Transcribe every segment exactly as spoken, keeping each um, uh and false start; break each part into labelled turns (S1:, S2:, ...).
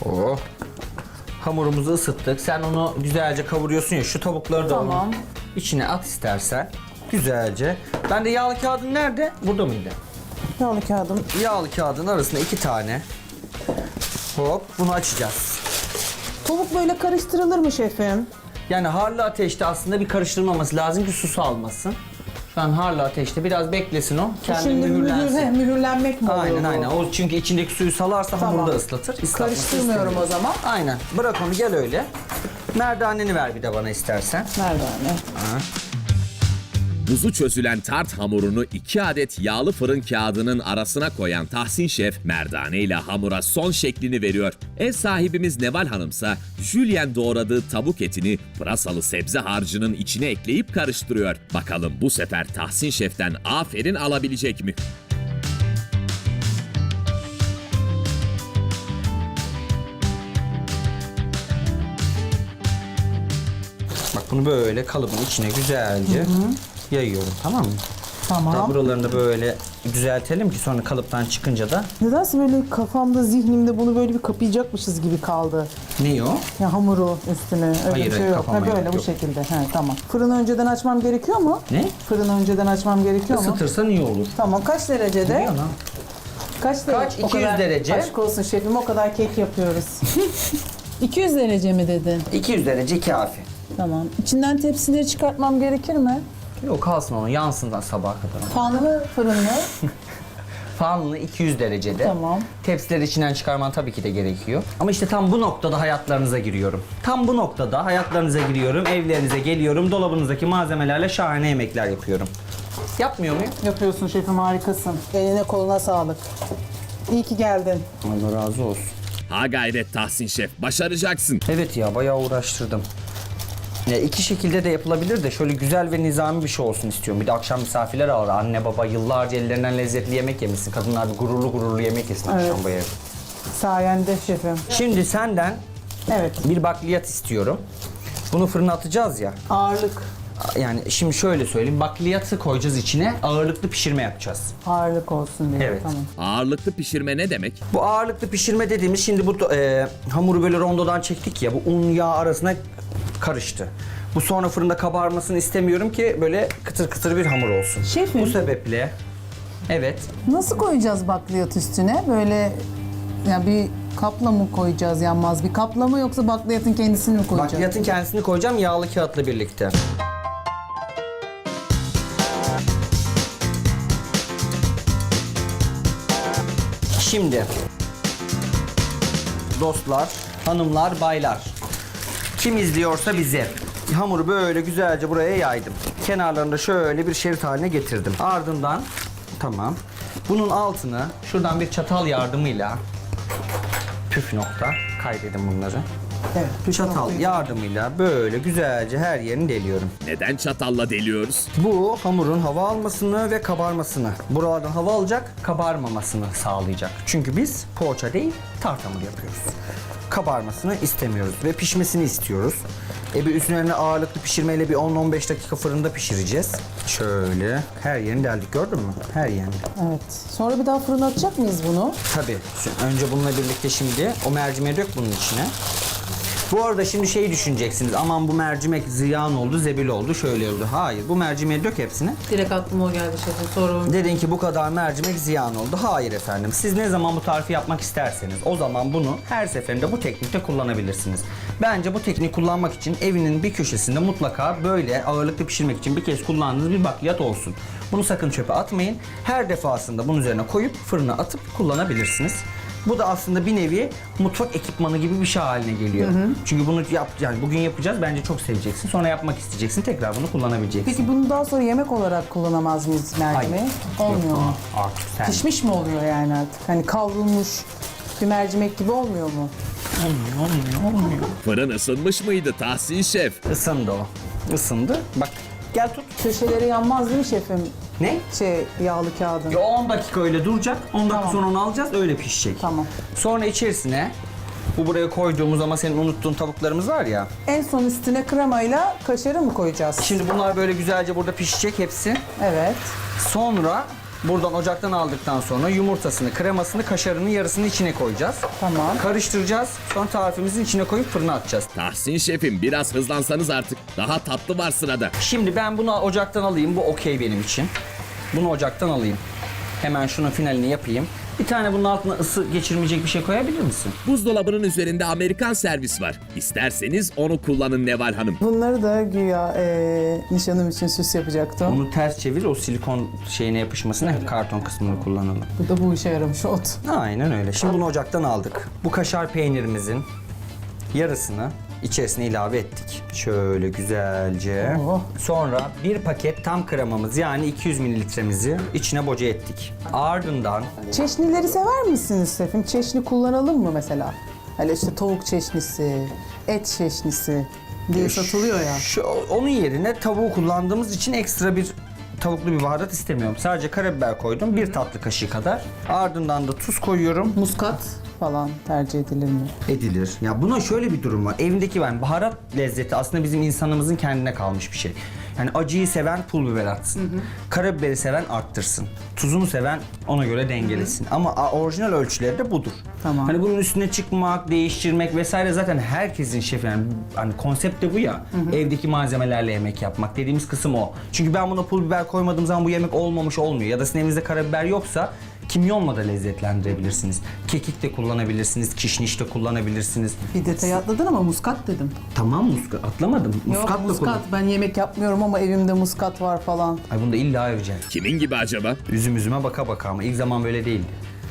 S1: Oh. Hamurumuzu ısıttık. Sen onu güzelce kavuruyorsun ya. Şu tavukları da
S2: Tamam.
S1: onun içine at istersen. Güzelce. Ben de yağlı kağıdın nerede? Burada mıydı?
S2: Yağlı kağıdım.
S1: Yağlı kağıdın arasında iki tane. Hop, bunu açacağız.
S2: Tavuk böyle karıştırılır mı şefim?
S1: Yani harlı ateşte aslında bir karıştırılmaması lazım ki su salmasın. Şu an harlı ateşte biraz beklesin o. Kendi
S2: Şimdi
S1: mühürlensin.
S2: mühür, he, mühürlenmek mi oluyor
S1: Aynen
S2: bu?
S1: aynen. O çünkü içindeki suyu salarsa
S2: Tamam.
S1: hamuru da ıslatır. Islatması
S2: Karıştırmıyorum o
S1: istemiyorum.
S2: zaman.
S1: Aynen. Bırak onu, gel öyle. Merdaneni ver bir de bana istersen.
S2: Merdane.
S3: Buzu çözülen tart hamurunu iki adet yağlı fırın kağıdının arasına koyan Tahsin Şef, merdane ile hamura son şeklini veriyor. Ev sahibimiz Neval Hanımsa, jülyen doğradığı tavuk etini pırasalı sebze harcının içine ekleyip karıştırıyor. Bakalım bu sefer Tahsin Şef'ten aferin alabilecek mi?
S1: Bak bunu böyle kalıbın içine güzelce yayıyorum, tamam mı?
S2: Tamam.
S1: Daha buralarını da böyle düzeltelim ki sonra kalıptan çıkınca da
S2: Nedense böyle kafamda, zihnimde bunu böyle bir kapayacakmışız gibi kaldı.
S1: ne o?
S2: Ya hamuru üstüne. Öyle
S1: Hayır,
S2: bir şey
S1: hayır,
S2: yok. Ha,
S1: kapamaya
S2: böyle
S1: gerek
S2: bu
S1: yok.
S2: şekilde. He, tamam. Fırını önceden açmam gerekiyor mu?
S1: Ne?
S2: Fırını önceden açmam gerekiyor mu?
S1: Isıtırsan iyi olur.
S2: Tamam. Kaç derecede?
S1: Ne ana?
S2: Kaç derece?
S1: Kaç?
S2: O
S1: iki yüz
S2: kadar-
S1: derece.
S2: Aşk olsun şefim, o kadar kek yapıyoruz. iki yüz derece mi dedin?
S1: iki yüz derece kafi.
S2: Tamam. İçinden tepsileri çıkartmam gerekir mi?
S1: Yok, kalsın onu, yansın sabaha kadar.
S2: Fanlı, fırınlı.
S1: Fanlı iki yüz derecede.
S2: Tamam.
S1: Tepsileri içinden çıkarman tabii ki de gerekiyor. Ama işte tam bu noktada hayatlarınıza giriyorum. Tam bu noktada hayatlarınıza giriyorum, evlerinize geliyorum, dolabınızdaki malzemelerle şahane yemekler yapıyorum. Yapmıyor muyum?
S2: Yapıyorsun şefim, harikasın. Eline koluna sağlık. İyi ki geldin.
S1: Allah razı olsun.
S3: Ha gayret Tahsin Şef, başaracaksın.
S1: Evet ya, bayağı uğraştırdım. Ya iki şekilde de yapılabilir de şöyle güzel ve nizami bir şey olsun istiyorum. Bir de akşam misafirler ağır. Anne baba yıllarca ellerinden lezzetli yemek yemişsin. Kadınlar bir gururlu gururlu yemek yesin
S2: Evet.
S1: akşam bu evde.
S2: Sayende şefim.
S1: Şimdi senden
S2: Evet.
S1: bir bakliyat istiyorum. Bunu fırına atacağız ya.
S2: Ağırlık.
S1: Yani şimdi şöyle söyleyeyim. Bakliyatı koyacağız içine. Ağırlıklı pişirme yapacağız.
S2: Ağırlık olsun diye.
S1: Evet.
S2: Tamam.
S3: Ağırlıklı pişirme ne demek?
S1: Bu ağırlıklı pişirme dediğimiz, şimdi bu e, hamuru böyle rondodan çektik ya, bu un yağ arasına karıştı. Bu sonra fırında kabarmasını istemiyorum ki böyle kıtır kıtır bir hamur olsun.
S2: Şefim.
S1: Bu sebeple evet.
S2: Nasıl koyacağız bakliyat üstüne? Böyle ya bir kapla mı koyacağız, yanmaz bir kapla mı, yoksa bakliyatın kendisini mi koyacağız?
S1: Bakliyatın kendisini koyacağım yağlı kağıtla birlikte. Şimdi dostlar, hanımlar, baylar, kim izliyorsa bizi, hamuru böyle güzelce buraya yaydım. Kenarlarında şöyle bir şerit haline getirdim. Ardından tamam. Bunun altını şuradan bir çatal yardımıyla, püf nokta, kaydedin bunları.
S2: Evet. püf
S1: Çatal
S2: noktayı-
S1: yardımıyla böyle güzelce her yerini deliyorum.
S3: Neden çatalla deliyoruz?
S1: Bu hamurun hava almasını ve kabarmasını, buralardan hava alacak, kabarmamasını sağlayacak. Çünkü biz poğaça değil, tart hamur yapıyoruz. Kabarmasını istemiyoruz ve pişmesini istiyoruz. E bir üzerine ağırlıklı pişirmeyle bir on on beş dakika fırında pişireceğiz. Şöyle her yerini deldik, gördün mü? Her yerini.
S2: Evet. Sonra bir daha fırına atacak mıyız bunu?
S1: Tabii. Şu- Önce bununla birlikte şimdi o mercimeği dök bunun içine. Bu arada şimdi şeyi düşüneceksiniz. Aman bu mercimek ziyan oldu, zebil oldu, şöyle oldu. Hayır, bu mercimeği dök hepsini.
S2: Direkt aklıma o geldi şefim. Sonra
S1: Dedin ki bu kadar mercimek ziyan oldu. Hayır efendim. Siz ne zaman bu tarifi yapmak isterseniz o zaman bunu her seferinde bu teknikte kullanabilirsiniz. Bence bu tekniği kullanmak için evinin bir köşesinde mutlaka böyle ağırlıklı pişirmek için bir kez kullandığınız bir bakliyat olsun. Bunu sakın çöpe atmayın. Her defasında bunun üzerine koyup fırına atıp kullanabilirsiniz. Bu da aslında bir nevi mutfak ekipmanı gibi bir şey haline geliyor. Çünkü bunu yap, yani bugün yapacağız, bence çok seveceksin. Sonra yapmak isteyeceksin, tekrar bunu kullanabileceksin.
S2: Peki bunu daha sonra yemek olarak kullanamaz mıyız mercimeği?
S1: Hayır.
S2: Olmuyor
S1: Yok,
S2: mu?
S1: artık sen.
S2: Pişmiş mi oluyor yani artık? Hani kavrulmuş bir mercimek gibi olmuyor mu?
S1: Olmuyor, olmuyor, olmuyor.
S3: Fırın ısınmış mıydı Tahsin Şef?
S1: Isındı o. Isındı. Bak gel tut.
S2: Köşeleri yanmaz değil mi şefim?
S1: Ne?
S2: Şey, yağlı kağıdın.
S1: Ya on dakika öyle duracak. on dakika
S2: Tamam.
S1: sonra onu alacağız, öyle pişecek.
S2: Tamam.
S1: Sonra içerisine bu buraya koyduğumuz ama senin unuttuğun tavuklarımız var ya.
S2: En son üstüne kremayla kaşarı mı koyacağız?
S1: Şimdi bunlar böyle güzelce burada pişecek hepsi.
S2: Evet.
S1: Sonra Buradan ocaktan aldıktan sonra yumurtasını, kremasını, kaşarının yarısını içine koyacağız.
S2: Tamam.
S1: Karıştıracağız. Sonra tarifimizin içine koyup fırına atacağız.
S3: Tahsin şefim biraz hızlansanız artık. Daha tatlı var sırada.
S1: Şimdi ben bunu ocaktan alayım. Bu okey benim için. Bunu ocaktan alayım. Hemen şunun finalini yapayım. Bir tane bunun altına ısı geçirmeyecek bir şey koyabilir misin?
S3: Buzdolabının üzerinde Amerikan servis var. İsterseniz onu kullanın Neval Hanım.
S2: Bunları da güya eee, nişanım için süs yapacaktım.
S1: Onu ters çevir, o silikon şeyine yapışmasına hep karton kısmını kullanalım.
S2: Bu da bu işe yaramış oldu.
S1: Aynen öyle. Şimdi bunu ocaktan aldık. Bu kaşar peynirimizin yarısını içerisine ilave ettik. Şöyle güzelce.
S2: Oh.
S1: Sonra bir paket tam kremamız yani iki yüz mililitremizi içine boca ettik. Ardından
S2: Çeşnileri sever misiniz şefim? Çeşni kullanalım mı mesela? Hele işte tavuk çeşnisi, et çeşnisi diye satılıyor ya.
S1: Şu, onun yerine tavuğu kullandığımız için ekstra bir tavuklu bir baharat istemiyorum. Sadece karabiber koydum. Bir tatlı kaşığı kadar. Ardından da tuz koyuyorum.
S2: Muskat falan tercih edilir mi?
S1: Edilir. Ya buna şöyle bir durum var. Evindeki ben baharat lezzeti aslında bizim insanımızın kendine kalmış bir şey. Yani acıyı seven pul biber atsın. Karabiberi seven arttırsın. Tuzunu seven ona göre dengelesin. Ama a- orijinal ölçüleri de budur.
S2: Tamam.
S1: Hani bunun üstüne çıkmak, değiştirmek vesaire zaten herkesin şefi yani hani konsept de bu ya. Evdeki malzemelerle yemek yapmak dediğimiz kısım o. Çünkü ben buna pul biber koymadığım zaman bu yemek olmamış olmuyor. Ya da sizin evinizde karabiber yoksa kimyonla da lezzetlendirebilirsiniz. Kekik de kullanabilirsiniz, kişniş de kullanabilirsiniz.
S2: Bir detay atladın ama muskat dedim.
S1: Tamam muskat atlamadım. Muskat
S2: Yok
S1: da
S2: muskat.
S1: kullan.
S2: Ben yemek yapmıyorum ama evimde muskat var falan.
S1: Ay bunu da illa öveceğim.
S3: Kimin gibi acaba?
S1: Üzüm üzüme baka baka ama ilk zaman böyle değildi.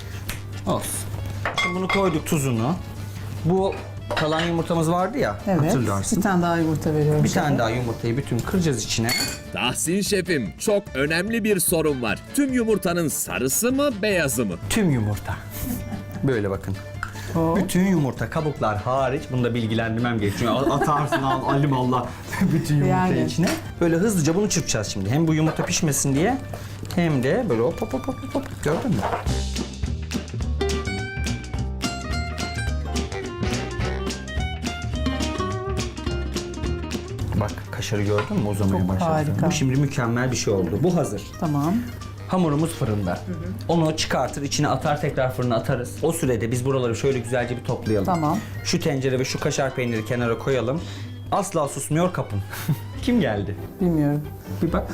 S1: Olsun. Şimdi bunu koyduk tuzunu. Bu kalan yumurtamız vardı ya
S2: Evet.
S1: hatırlarsın.
S2: Bir tane daha yumurta veriyorum.
S1: Bir
S2: şefe.
S1: tane daha yumurtayı bütün kıracağız içine.
S3: Tahsin şefim çok önemli bir sorun var. Tüm yumurtanın sarısı mı beyazı mı?
S1: Tüm yumurta. Böyle bakın.
S2: Oo.
S1: Bütün yumurta kabuklar hariç bunu da bilgilendirmem gerekiyor. Atarsın al alim Allah bütün yumurtayı
S2: Yani.
S1: içine. Böyle hızlıca bunu çırpacağız şimdi. Hem bu yumurta pişmesin diye hem de böyle hop hop hop hop hop. Gördün mü? Bak kaşarı gördün mü? Uzamaya
S2: Çok
S1: başladı.
S2: harika.
S1: Bu şimdi mükemmel bir şey oldu. Bu hazır.
S2: Tamam.
S1: Hamurumuz fırında. Onu çıkartır, içine atar, tekrar fırına atarız. O sürede biz buraları şöyle güzelce bir toplayalım.
S2: Tamam.
S1: Şu tencere ve şu kaşar peyniri kenara koyalım. Asla susmuyor kapın. Kim geldi?
S2: Bilmiyorum.
S1: Bir bak.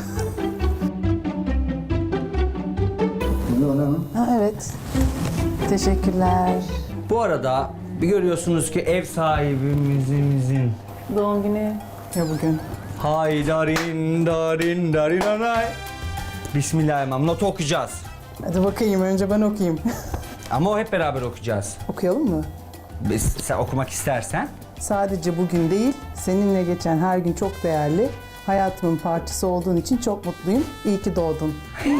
S2: Ha, evet. Teşekkürler.
S1: Bu arada bir görüyorsunuz ki ev sahibimizin
S2: Doğum günü ya bugün.
S1: hay darin darin darin anay. Bismillahirrahmanirrahim. Notu okuyacağız.
S2: Hadi bakayım önce ben okuyayım.
S1: Ama o hep beraber okuyacağız.
S2: Okuyalım mı?
S1: Biz, sen okumak istersen.
S2: Sadece bugün değil, seninle geçen her gün çok değerli. Hayatımın parçası olduğun için çok mutluyum. İyi ki doğdun.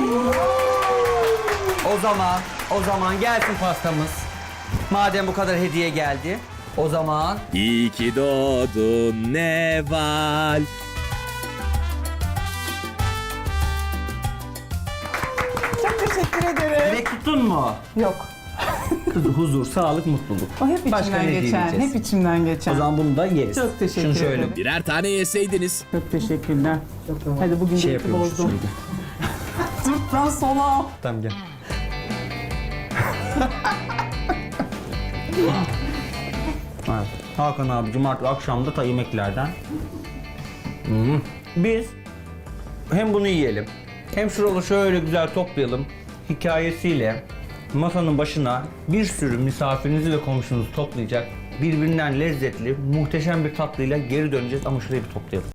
S1: O zaman, o zaman gelsin pastamız. Madem bu kadar hediye geldi, o zaman
S3: İyi ki doğdun Neval.
S2: Çok teşekkür ederim.
S1: direkt tuttun mu?
S2: Yok.
S1: Kız huzur, sağlık, mutluluk.
S2: O hep
S1: Başka
S2: içimden
S1: ne
S2: geçen,
S1: diyeceğiz?
S2: hep içimden geçen.
S1: O zaman bunu da yeriz.
S2: Çok teşekkür
S1: Şunu şöyle
S2: ederim.
S3: Birer tane yeseydiniz.
S2: Çok teşekkürler. Hadi bugün
S1: şey
S2: de
S1: yapıyormuş
S2: bozdum.
S1: şimdi.
S2: Sırttan sola.
S1: Tamam gel. Evet. Hakan abicim artık akşamda ta yemeklerden. Hmm. Biz hem bunu yiyelim, hem şuraları şöyle güzel toplayalım. Hikayesiyle masanın başına bir sürü misafirinizi ve komşunuzu toplayacak birbirinden lezzetli, muhteşem bir tatlıyla geri döneceğiz ama şurayı bir toplayalım.